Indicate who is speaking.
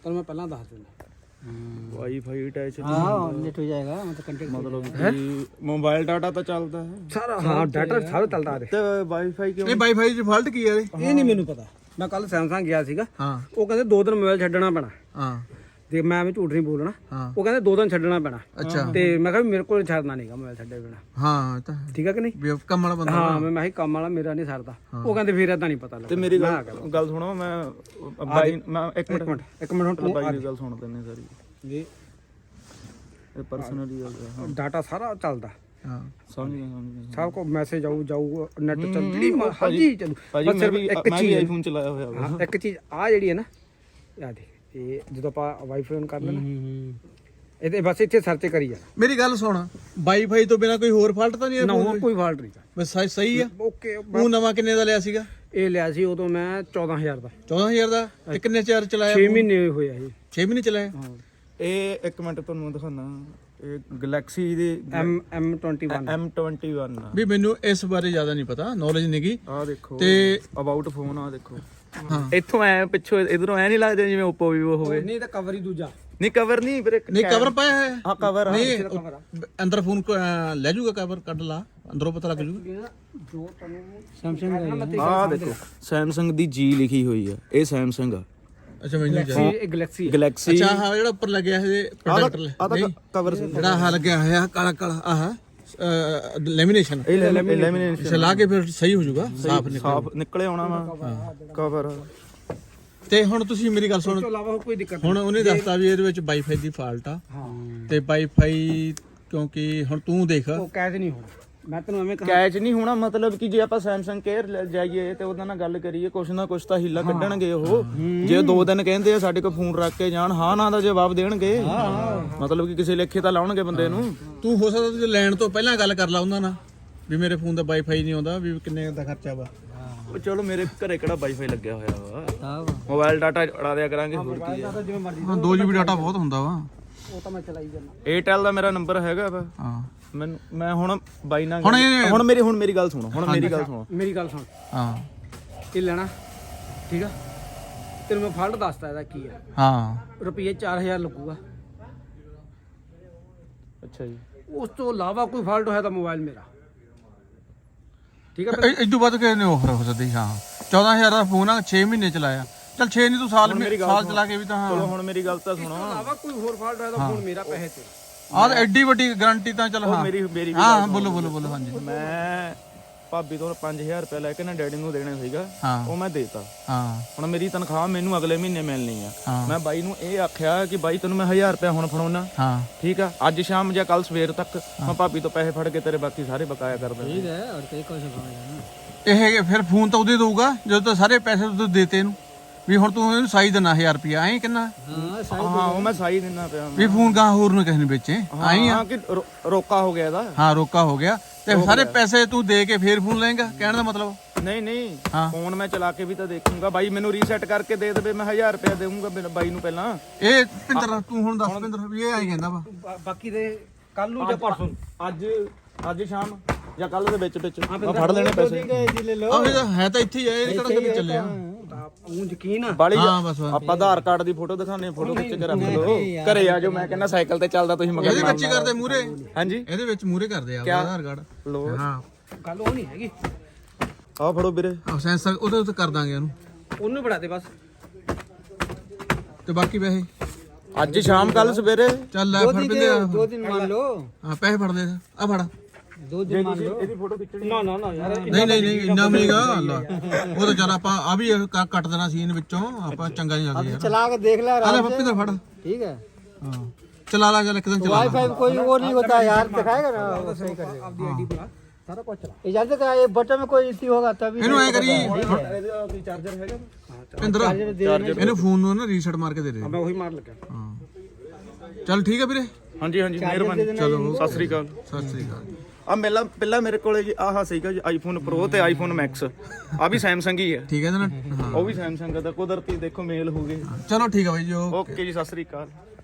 Speaker 1: मैं पहला दस देना
Speaker 2: वाईफाई अटैच
Speaker 1: हाँ नेट हो जाएगा मतलब कंटेक्ट
Speaker 2: मतलब कि मोबाइल डाटा ਤਾਂ ਚੱਲਦਾ ਹੈ
Speaker 1: सारा हाँ डाटा सारा चलता है
Speaker 2: ਤੇ ਵਾਈਫਾਈ ਕਿਉਂ
Speaker 3: ਇਹ ਵਾਈਫਾਈ 'ਚ ਫਾਲਟ ਕੀ ਹੈ
Speaker 1: ਇਹ ਨਹੀਂ ਮੈਨੂੰ ਪਤਾ ਮੈਂ ਕੱਲ ਸੈਮਸੰਗ ਗਿਆ ਸੀਗਾ
Speaker 3: ਹਾਂ
Speaker 1: ਉਹ ਕਹਿੰਦੇ 2 ਦਿਨ ਮੋਬਾਈਲ ਛੱਡਣਾ ਪੈਣਾ
Speaker 3: ਹਾਂ
Speaker 1: ਤੇ ਮੈਂ ਵੀ ਝੂਠ ਨਹੀਂ ਬੋਲਣਾ
Speaker 3: ਹਾਂ
Speaker 1: ਉਹ ਕਹਿੰਦੇ 2 ਦਿਨ ਛੱਡਣਾ ਪੈਣਾ
Speaker 3: ਅੱਛਾ
Speaker 1: ਤੇ ਮੈਂ ਕਿਹਾ ਵੀ ਮੇਰੇ ਕੋਲ ਛੱਡਣਾ ਨਹੀਂਗਾ ਮੋਬਾਈਲ ਛੱਡੇ ਬਿਨਾ
Speaker 3: ਹਾਂ ਤਾਂ
Speaker 1: ਠੀਕ ਹੈ ਕਿ ਨਹੀਂ
Speaker 3: ਵੀ ਕੰਮ ਵਾਲਾ ਬੰਦਾ
Speaker 1: ਹਾਂ ਮੈਂ ਕਿਹਾ ਕੰਮ ਵਾਲਾ ਮੇਰਾ ਨਹੀਂ ਸਰਦਾ ਉਹ ਕਹਿੰਦੇ ਫਿਰ ਏਦਾਂ ਨਹੀਂ ਪਤਾ ਲੱਗਦਾ
Speaker 2: ਤੇ ਮੇਰੀ ਗੱਲ ਸੁਣੋ ਮੈਂ ਬਾਈ ਮੈਂ ਇੱਕ ਮਿੰਟ
Speaker 1: ਹੁਣ ਤੂੰ
Speaker 2: ਬਾਈ ਦੀ ਗੱਲ ਸੁਣ ਦਿੰਨੇ ਸਾਰੀ
Speaker 1: ਜੀ
Speaker 2: ਇਹ ਪਰਸਨਲੀ ਗੱਲ ਹੈ
Speaker 1: ਡਾਟਾ ਸਾਰਾ ਚੱਲਦਾ
Speaker 3: ਹਾਂ
Speaker 2: ਸਮਝ ਗਿਆ
Speaker 1: ਸਭ ਕੋ ਮੈਸੇਜ ਜਾਊ ਨੈਟ ਚੱਲਦੀ ਹਾਂਜੀ ਚੱਲੂ
Speaker 2: ਭਾਜੀ ਮੈਂ ਵੀ ਆਈਫੋਨ ਚਲਾਇਆ ਹੋਇਆ ਵਾ
Speaker 1: ਹਾਂ ਇੱਕ ਚੀਜ਼ ਆ ਜਿਹੜੀ ਹੈ ਨਾ ਆ ਦੇਖ ਇਹ ਜਦੋਂ ਆਪਾਂ ਵਾਈਫਾਈ ਔਨ ਕਰ ਲੈਣਾ ਇਹਦੇ ਬਸ ਇੱਥੇ ਸਰਚ ਕਰੀ ਜਾ
Speaker 3: ਮੇਰੀ ਗੱਲ ਸੁਣ ਵਾਈਫਾਈ ਤੋਂ ਬਿਨਾ ਕੋਈ ਹੋਰ ਫਾਲਟ ਤਾਂ ਨਹੀਂ ਹੈ
Speaker 1: ਨਾ ਹੋਰ ਕੋਈ ਫਾਲਟ ਨਹੀਂ
Speaker 3: ਬਸ ਸਹੀ ਆ
Speaker 1: ਓਕੇ
Speaker 3: ਉਹ ਨਵਾਂ ਕਿੰਨੇ ਦਾ ਲਿਆ ਸੀਗਾ
Speaker 1: ਇਹ ਲਿਆ ਸੀ ਉਦੋਂ ਮੈਂ 14000 ਦਾ
Speaker 3: 14000 ਦਾ ਤੇ ਕਿੰਨੇ ਚਾਰ ਚਲਾਇਆ
Speaker 1: 6 ਮਹੀਨੇ ਹੋਇਆ ਇਹ
Speaker 3: 6 ਮਹੀਨੇ ਚਲਾਇਆ
Speaker 1: ਹਾਂ
Speaker 2: ਇਹ ਇੱਕ ਮਿੰਟ ਤੁਹਾਨੂੰ ਦਿਖਾਣਾ ਇਹ ਗੈਲੈਕਸੀ ਦੀ
Speaker 1: M21
Speaker 2: M21 ਆ
Speaker 3: ਵੀ ਮੈਨੂੰ ਇਸ ਬਾਰੇ ਜ਼ਿਆਦਾ ਨਹੀਂ ਪਤਾ ਨੌਲੇਜ ਨਹੀਂਗੀ
Speaker 2: ਆਹ ਦੇਖੋ
Speaker 3: ਤੇ
Speaker 2: ਅਬਾਊਟ ਫੋਨ ਆ ਦੇਖੋ
Speaker 3: ਹਾਂ
Speaker 2: ਇੱਥੋਂ ਐ ਪਿੱਛੋਂ ਇਧਰੋਂ ਐ ਨਹੀਂ ਲੱਗਦਾ ਜਿਵੇਂ Oppo Vivo ਹੋਵੇ
Speaker 1: ਨਹੀਂ ਤਾਂ ਕਵਰ ਹੀ ਦੂਜਾ
Speaker 2: ਨਹੀਂ ਕਵਰ ਨਹੀਂ ਵੀਰੇ
Speaker 3: ਨਹੀਂ ਕਵਰ ਪਾਇਆ ਹੈ
Speaker 2: ਆ ਕਵਰ
Speaker 3: ਨਹੀਂ ਅੰਦਰ ਫੋਨ ਲੈ ਜਾਊਗਾ ਕਵਰ ਕੱਢ ਲਾ ਅੰਦਰੋਂ ਪਤਾ ਲੱਗ ਜੂ
Speaker 1: ਜੋ ਤੁਹਾਨੂੰ ਸੈਮਸੰਗ
Speaker 2: ਆ ਦੇਖੋ Samsung ਦੀ G ਲਿਖੀ ਹੋਈ ਆ ਇਹ Samsung ਆ
Speaker 3: ਅੱਛਾ ਮੈਨੂੰ
Speaker 1: ਇਹ ਗੈਲੈਕਸੀ
Speaker 2: ਗੈਲੈਕਸੀ
Speaker 3: ਅੱਛਾ ਹਾਂ ਜਿਹੜਾ ਉੱਪਰ ਲੱਗਿਆ ਹੈ ਪ੍ਰੋਡਕਟ
Speaker 2: ਆ ਕਵਰ
Speaker 3: ਜਿਹੜਾ ਆਹ ਲੱਗਿਆ ਹੋਇਆ ਕਾਲਾ ਕਾਲਾ ਆਹ ਲੈਮੀਨੇਸ਼ਨ
Speaker 2: ਇਹ ਲੈਮੀਨੇਸ਼ਨ
Speaker 3: ਇਸੇ ਲਾ ਕੇ ਫਿਰ ਸਹੀ ਹੋ ਜਾਊਗਾ
Speaker 2: ਸਾਫ ਨਿਕਲੇ ਆਉਣਾ ਵਾ ਕਵਰ
Speaker 3: ਤੇ ਹੁਣ ਤੁਸੀਂ ਮੇਰੀ ਗੱਲ ਸੁਣ
Speaker 1: ਤੋਂ ਇਲਾਵਾ ਕੋਈ ਦਿੱਕਤ
Speaker 3: ਹੁਣ ਉਹਨੇ ਦੱਸਤਾ ਵੀ ਇਹਦੇ ਵਿੱਚ ਵਾਈਫਾਈ ਦੀ ਫਾਲਟ ਆ
Speaker 1: ਹਾਂ
Speaker 3: ਤੇ ਵਾਈਫਾਈ ਕਿਉਂਕਿ ਹੁਣ ਤੂੰ ਦੇਖ
Speaker 1: ਉਹ ਕੈਸ਼ ਨਹੀਂ ਹੋਣਾ ਮੈਂ ਤੈਨੂੰ ਐਵੇਂ ਕਹਾਂ
Speaker 2: ਕੈਚ ਨਹੀਂ ਹੋਣਾ ਮਤਲਬ ਕਿ ਜੇ ਆਪਾਂ Samsung Care ਜਾਈਏ ਤੇ ਉਹਦਾ ਨਾਲ ਗੱਲ ਕਰੀਏ ਕੁਛ ਨਾ ਕੁਛ ਤਾਂ ਹੀਲਾ ਕੱਢਣਗੇ ਉਹ ਜੇ 2 ਦਿਨ ਕਹਿੰਦੇ ਆ ਸਾਡੇ ਕੋਲ ਫੋਨ ਰੱਖ ਕੇ ਜਾਣ ਹਾਂ ਨਾ ਦਾ ਜਵਾਬ ਦੇਣਗੇ ਮਤਲਬ ਕਿ ਕਿਸੇ ਲੇਖੇ ਤਾਂ ਲਾਉਣਗੇ ਬੰਦੇ ਨੂੰ
Speaker 3: ਤੂੰ ਹੋ ਸਕਦਾ ਤੂੰ ਲੈਣ ਤੋਂ ਪਹਿਲਾਂ ਗੱਲ ਕਰ ਲਾ ਉਹਨਾਂ ਨਾਲ ਵੀ ਮੇਰੇ ਫੋਨ ਦਾ ਵਾਈਫਾਈ ਨਹੀਂ ਆਉਂਦਾ ਵੀ ਕਿੰਨੇ ਦਾ ਖਰਚਾ ਵਾ
Speaker 2: ਉਹ ਚਲੋ ਮੇਰੇ ਘਰੇ ਕਿਹੜਾ ਵਾਈਫਾਈ ਲੱਗਿਆ ਹੋਇਆ ਵਾ
Speaker 1: ਹਾਂ
Speaker 2: ਮੋਬਾਈਲ ਡਾਟਾ ਉਡਾ ਦਿਆ ਕਰਾਂਗੇ ਹੋਰ ਕੀ ਆ
Speaker 1: ਜਿਵੇਂ ਮਰਜ਼ੀ
Speaker 3: ਹਾਂ 2 GB ਡਾਟਾ ਬਹੁਤ ਹੁੰਦਾ ਵਾ
Speaker 1: ਉਹ ਤਾਂ ਮੈਂ ਚਲਾਈ ਜਾਂਦਾ
Speaker 2: Airtel ਦਾ ਮੇਰਾ ਨੰਬਰ ਹੈਗਾ ਵਾ
Speaker 3: ਹਾਂ
Speaker 2: ਮੈਂ ਹੁਣ ਬਾਈ ਨਾਲ
Speaker 3: ਹੁਣ
Speaker 2: ਹੁਣ ਮੇਰੀ ਗੱਲ ਸੁਣੋ
Speaker 1: ਮੇਰੀ ਗੱਲ ਸੁਣ
Speaker 3: ਹਾਂ
Speaker 1: ਇਹ ਲੈਣਾ ਠੀਕ ਆ ਤੈਨੂੰ ਮੈਂ ਫਾਲਟ ਦੱਸਦਾ ਇਹਦਾ ਕੀ ਆ
Speaker 3: ਹਾਂ
Speaker 1: ਰੁਪਏ 4000 ਲੱਗੂਗਾ
Speaker 2: ਅੱਛਾ ਜੀ
Speaker 1: ਉਸ ਤੋਂ ਇਲਾਵਾ ਕੋਈ ਫਾਲਟ ਹੋਇਆ ਤਾਂ ਮੋਬਾਈਲ ਮੇਰਾ ਠੀਕ ਆ
Speaker 3: ਇਦੋਂ ਵੱਧ ਕੇ ਨਹੀਂ ਆਫਰ ਹੋ ਸਕਦੀ ਹਾਂ 14000 ਦਾ ਫੋਨ ਆ 6 ਮਹੀਨੇ ਚਲਾਇਆ ਚੱਲ 6 ਨਹੀਂ ਤੂੰ ਸਾਲ ਚਲਾ ਕੇ ਵੀ ਤਾਂ
Speaker 2: ਚਲੋ
Speaker 3: ਹਾਂ
Speaker 2: ਹੁਣ ਮੇਰੀ ਗੱਲ ਤਾਂ ਸੁਣੋ
Speaker 1: ਇਲਾਵਾ ਕੋਈ ਹੋਰ ਫਾਲਟ ਹੋਇਆ ਤਾਂ ਫੋਨ ਮੇਰਾ ਪੈਸੇ ਤੇ
Speaker 3: ਆਹ ਤਾਂ ਐਡੀ ਵੱਡੀ ਗਾਰੰਟੀ ਤਾਂ ਚੱਲ ਹਾਂ
Speaker 2: ਮੇਰੀ
Speaker 3: ਹਾਂ ਬੋਲੋ ਹਾਂਜੀ
Speaker 2: ਮੈਂ ਭਾਬੀ ਤੋਂ 5000 ਰੁਪਏ ਲੈ ਕੇ ਨਾ ਡੈਡੀ ਨੂੰ ਦੇਣਾ ਸੀਗਾ
Speaker 3: ਹਾਂ
Speaker 2: ਉਹ ਮੈਂ ਦੇਤਾ
Speaker 3: ਹਾਂ
Speaker 2: ਹੁਣ ਮੇਰੀ ਤਨਖਾਹ ਮੈਨੂੰ ਅਗਲੇ ਮਹੀਨੇ ਮਿਲਣੀ ਆ
Speaker 3: ਹਾਂ।
Speaker 2: ਮੈਂ ਬਾਈ ਨੂੰ ਇਹ ਆਖਿਆ ਕਿ ਬਾਈ ਤੈਨੂੰ ਮੈਂ 1000 ਰੁਪਏ ਹੁਣ ਫੜਾਉਣਾ
Speaker 3: ਹਾਂ
Speaker 2: ਠੀਕ ਆ ਅੱਜ ਸ਼ਾਮ ਜਾਂ ਕੱਲ ਸਵੇਰ ਤੱਕ ਮੈਂ ਭਾਬੀ ਤੋਂ ਪੈਸੇ ਫੜ ਕੇ ਤੇਰੇ ਬਾਕੀ ਸਾਰੇ ਬਕਾਇਆ ਕਰ ਦਿੰਦਾ
Speaker 1: ਠੀਕ ਹੈ ਔਰ ਕਈ ਕੁਝ ਹੋਣਾ
Speaker 3: ਇਹ ਫਿਰ ਫੋਨ ਤਾਂ ਉਹਦੇ ਦਊਗਾ ਜਦੋਂ ਤਾਂ ਸਾਰੇ ਪੈਸੇ ਤੂੰ ਦੇਤੇ ਇਹਨੂੰ ਵੀ ਹੁਣ ਤੂੰ ਇਹਨੂੰ ਸਾਈ ਦੇਣਾ 1000 ਰੁਪਿਆ ਐਂ ਕਿੰਨਾ
Speaker 1: ਹਾਂ
Speaker 2: ਹਾਂ ਉਹ ਮੈਂ ਸਾਈ ਦਿੰਦਾ ਪਿਆ
Speaker 3: ਵੀ ਫੋਨ ਗਾਂ ਹੋਰ ਨੂੰ ਕਿਸੇ ਨੂੰ ਵੇਚੇ ਐਂ ਆ
Speaker 2: ਹਾਂ ਕਿ ਰੋਕਾ ਹੋ ਗਿਆ ਇਹਦਾ
Speaker 3: ਹਾਂ ਰੋਕਾ ਹੋ ਗਿਆ ਤੇ ਸਾਰੇ ਪੈਸੇ ਤੂੰ ਦੇ ਕੇ ਫੇਰ ਫੋਨ ਲਏਗਾ ਕਹਿਣ ਦਾ ਮਤਲਬ
Speaker 2: ਨਹੀਂ
Speaker 3: ਹਾਂ।
Speaker 2: ਫੋਨ ਮੈਂ ਚਲਾ ਕੇ ਵੀ ਤਾਂ ਦੇਖੂੰਗਾ ਬਾਈ ਮੈਨੂੰ ਰੀਸੈਟ ਕਰਕੇ ਦੇ ਦੇਵੇ ਮੈਂ 1000 ਰੁਪਏ ਦੇਵਾਂਗਾ ਬਾਈ ਨੂੰ ਪਹਿਲਾਂ
Speaker 3: ਇਹ ਭਿੰਦਰ ਤੂੰ ਹੁਣ ਦੱਸ ਭਿੰਦਰ ਵੀ ਇਹ ਆਈ ਕਹਿੰਦਾ ਵਾ
Speaker 1: ਬਾਕੀ ਦੇ ਕੱਲ ਨੂੰ ਜਾਂ ਪਰਸੋਂ
Speaker 2: ਅੱਜ ਸ਼ਾਮ ਜਾਂ ਕੱਲ ਦੇ ਵਿੱਚ ਮੈਂ ਫੜ ਲੈਣੇ ਪੈਸੇ
Speaker 3: ਆਹ ਇਹ ਹੈ ਤਾਂ ਇੱਥੇ ਹੀ ਆ ਇਹ ਕਿਹੜਾ ਕਿਤੇ ਚੱਲਿਆ
Speaker 1: ਉਹ ਯਕੀਨ ਆ
Speaker 2: ਬਾਲੀ
Speaker 3: ਹਾਂ ਬਸ
Speaker 2: ਆਪਾਂ ਆਧਾਰ ਕਾਰਡ ਦੀ ਫੋਟੋ ਦਿਖਾਣੇ ਫੋਟੋ ਖਿੱਚ ਕੇ ਰੱਖ ਲਓ ਘਰੇ ਆ ਜਾਓ ਮੈਂ ਕਹਿੰਦਾ ਸਾਈਕਲ ਤੇ ਚੱਲਦਾ ਤੁਸੀਂ ਮਗਰ
Speaker 3: ਇਹਦੇ ਵਿੱਚ ਹੀ ਕਰਦੇ ਮੂਰੇ
Speaker 2: ਹਾਂਜੀ
Speaker 3: ਇਹਦੇ ਵਿੱਚ ਮੂਰੇ ਕਰਦੇ ਆ ਆਧਾਰ ਕਾਰਡ
Speaker 2: ਲੋ
Speaker 3: ਹਾਂ
Speaker 1: ਗੱਲ ਉਹ ਨਹੀਂ ਹੈਗੀ
Speaker 2: ਆਹ ਫੜੋ ਵੀਰੇ
Speaker 3: ਆਹ ਸੈਂਸਰ ਉਹਦੇ ਉੱਤੇ ਕਰ ਦਾਂਗੇ ਉਹਨੂੰ
Speaker 1: ਉਹਨੂੰ ਬੜਾ ਦੇ ਬਸ
Speaker 3: ਤੇ ਬਾਕੀ ਪੈਸੇ
Speaker 2: ਅੱਜ ਸ਼ਾਮ ਕੱਲ ਸਵੇਰੇ
Speaker 3: ਚੱਲ ਲੈ ਫੜ ਪਿੰਦੇ ਆ
Speaker 1: 2 ਦਿਨ ਮੰਨ ਲਓ
Speaker 3: ਹਾਂ ਪੈਸੇ ਫੜ ਦੇ ਆ ਫੜ
Speaker 1: 2 ਦਿਨ ਮੰਨ ਲਓ
Speaker 2: ਇਹਦੀ ਫੋਟੋ ਖਿੱਚਣੀ
Speaker 1: ਨਾ ਯਾਰ
Speaker 3: ਨਹੀਂ ਇੰਨਾ ਮਹੀਗਾ ਅੱਲਾ ਉਹ ਤਾਂ ਚੱਲ ਆਪਾਂ ਆ ਵੀ ਕੱਟ ਦੇਣਾ ਸੀ ਇਹਨ ਵਿੱਚੋਂ ਆਪਾਂ ਚੰਗਾ ਨਹੀਂ ਲੱਗਦਾ ਯਾਰ
Speaker 1: चला के देख ले
Speaker 3: ਆ ਲੈ ਪੱਪੀ ਦਾ ਫੜ
Speaker 1: ठीक है
Speaker 3: ਹਾਂ ਚਲਾ ਲਾ ਚੱਲ ਇੱਕ ਦਿਨ ਚਲਾ ਲਾ
Speaker 1: वाईफाई कोई वो नहीं होता यार दिखाएगा ना वो सही कर देगा अपनी आईडी पे सारा कुछ चला इजाजत का ये बटन में कोई इश्यू होगा तभी
Speaker 3: ਇਹਨੂੰ ਐ ਕਰੀ
Speaker 2: ਇਹਦਾ ਚਾਰਜਰ ਹੈਗਾ
Speaker 3: ਪਿੰਦਰ ਇਹਨੂੰ ਫੋਨ ਨੂੰ ਨਾ ਰੀਸੈਟ ਮਾਰ ਕੇ ਦੇ ਦੇ
Speaker 1: मैं वही मार लगा
Speaker 3: ਹਾਂ ਚੱਲ ਠੀਕ ਹੈ ਵੀਰੇ
Speaker 2: ਹਾਂਜੀ ਮਿਹਰਬਾਨੀ
Speaker 3: ਚਲੋ
Speaker 2: ਸਤਿ ਸ੍ਰੀ ਅਕਾਲ
Speaker 3: ਸਤਿ ਸ੍ਰੀ ਅਕਾਲ
Speaker 2: ਆ ਪਹਿਲਾਂ ਮੇਰੇ ਕੋਲੇ ਜੀ ਆਹ ਸੀਗਾ ਜੀ ਆਈਫੋਨ ਪ੍ਰੋ ਤੇ ਆਈਫੋਨ ਮੈਕਸ ਆ ਵੀ ਸੈਮਸੰਗ ਹੀ ਹੈ
Speaker 3: ਠੀਕ ਹੈ ਨਾ ਹਾਂ
Speaker 2: ਉਹ ਵੀ ਸੈਮਸੰਗ ਦਾ ਕੁਦਰਤੀ ਦੇਖੋ ਮੇਲ ਹੋ ਗਏ
Speaker 3: ਚਲੋ ਠੀਕ ਹੈ ਬਾਈ ਜੀ
Speaker 2: ਓਕੇ ਜੀ ਸਤਿ ਸ੍ਰੀ ਅਕਾਲ